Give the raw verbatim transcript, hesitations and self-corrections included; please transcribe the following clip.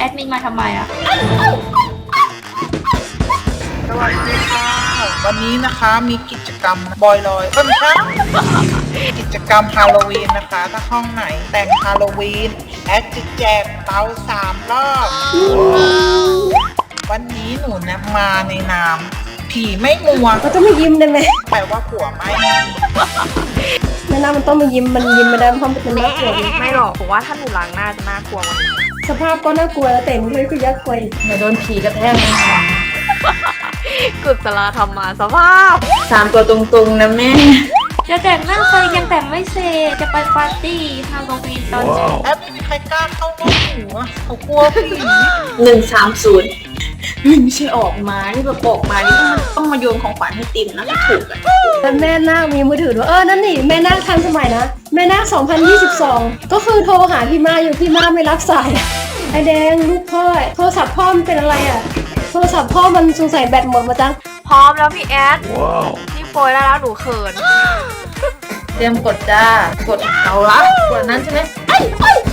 ดมินมาทำไมอะสวัสดีค่ะวันนี้นะคะมีกิจกรรมบอยลอยเพิ่มช่างกิจกรรมฮาโลวีนนะคะถ้าห้องไหนแต่งฮาโลวีนแอดจะแจกเตาสามรอบวันนี้หนูนะมาในนามผีไม่งัวเราต้องไม่ยิ้มได้ไหมแปลว่าผัวไม่แม่น้ามันต้องมายิ้มมันยิ้มไม่ได้เพราะมันเป็นน่ากลัวไม่หรอกผมว่าถ้าหนูล้างหน้าจะน่ากลัวกว่านี้สภาพก็น่ากลัวแล้วแต่งเลยก็ยักษ์กลัวอีกเดี๋ยวโดนผีกระแทกแน่นอนกุศลธรรมมาสภาพสามตัวตรงๆนะแม่จะแต่งหน้าไปยังแต่งไม่เสร็จจะไปปาร์ตี้ฮาโลวีนตอนเช้าแอดไม่มีใครกล้าเข้าห้องหนูอะเขากลัวผีหนึ่งสามศูนย์ไม่ใช่ออกมานี่แบบออกมานี่ต้องมาต้องมาโยนของขวัญให้ติมนะไม่ถูกอ่ะแต่แม่นาคมีมือถือด้วยเออนั่นนี่แม่นาคทันสมัยนะแม่นาคสองพันยี่สิบสองก็คือโทรหาพี่มาอยู่พี่มาไม่รับสายไอแดงลูกพ่อโทรศัพท์พ่อมันเป็นอะไรอ่ะโทรศัพท์พ่อมันสงสัยแบตหมดมาจังพร้อมแล้วพี่แอดนี่โปรยได้แล้วหนูเขินเตรียมกดจ้ากดเอาละกดนั้นใช่ไหมไอ้ไอ้